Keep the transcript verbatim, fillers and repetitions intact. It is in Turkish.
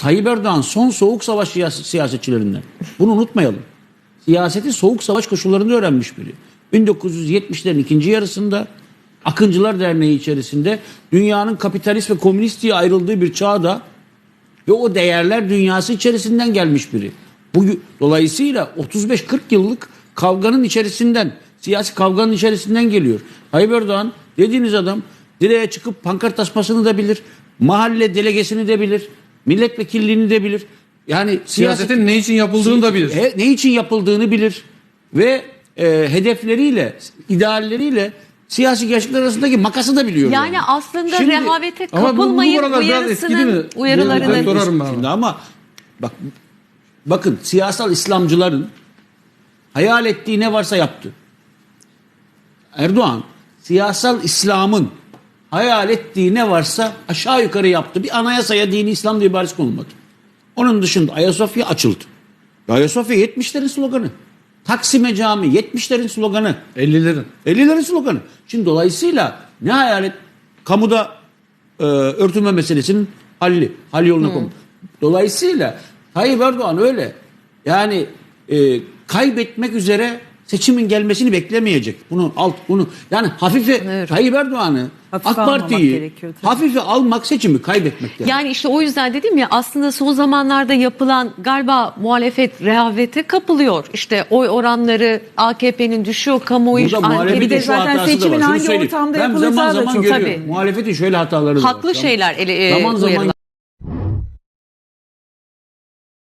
Tayyip Erdoğan son soğuk savaş siyasetçilerinden. Bunu unutmayalım. Siyaseti soğuk savaş koşullarında öğrenmiş biri. bin dokuz yüz yetmişlerin ikinci yarısında Akıncılar Derneği içerisinde dünyanın kapitalist ve komünist diye ayrıldığı bir çağda ve o değerler dünyası içerisinden gelmiş biri. Bu, dolayısıyla otuz beş kırk yıllık kavganın içerisinden, siyasi kavganın içerisinden geliyor. Tayyip Erdoğan dediğiniz adam direğe çıkıp pankart asmasını da bilir, mahalle delegesini de bilir, milletvekilliğini de bilir. Yani Siyasetin siyaset, ne için yapıldığını da bilir. He, ne için yapıldığını bilir ve e, hedefleriyle, idealleriyle siyasi gerçekler arasındaki makası da biliyor. Yani, yani. aslında Şimdi, rehavete ama bu- bu kapılmayın buralar biraz eski değil mi? uyarısının uyarılarını. Ben sorarım ben. Şimdi ama bak bakın siyasal İslamcıların hayal ettiği ne varsa yaptı. Erdoğan siyasal İslam'ın hayal ettiği ne varsa aşağı yukarı yaptı. Bir anayasaya dini İslam diye ibaresi konulmadı. Onun dışında Ayasofya açıldı. Ayasofya yetmişlerin sloganı. Taksim'e cami yetmişlerin sloganı. ellilerin. ellilerin sloganı. Şimdi dolayısıyla ne hayal et? Kamuda e, örtünme meselesinin halli. Hal yoluna hmm. konuldu. Dolayısıyla Tayyip Erdoğan öyle. Yani e, kaybetmek üzere seçimin gelmesini beklemeyecek. Bunu alt bunu yani hafife Evet. Tayyip Erdoğan'ı Hafife AK almamak Parti'yi gerekiyor tabii. hafife almak seçimi kaybetmektir. Yani işte o yüzden dedim ya, aslında son zamanlarda yapılan galiba muhalefet rehavete kapılıyor. İşte oy oranları A K P'nin düşüyor, kamuoyu Burada muhalefetin bir de şu zaten hatası da seçimin var. Şunu hangi söyleyeyim. ortamda Ben yapılacağı zaman da zaman çok- görüyorum. Tabii. Muhalefetin şöyle hataları var. haklı şeyler ele, e, Zaman zaman uyarılar.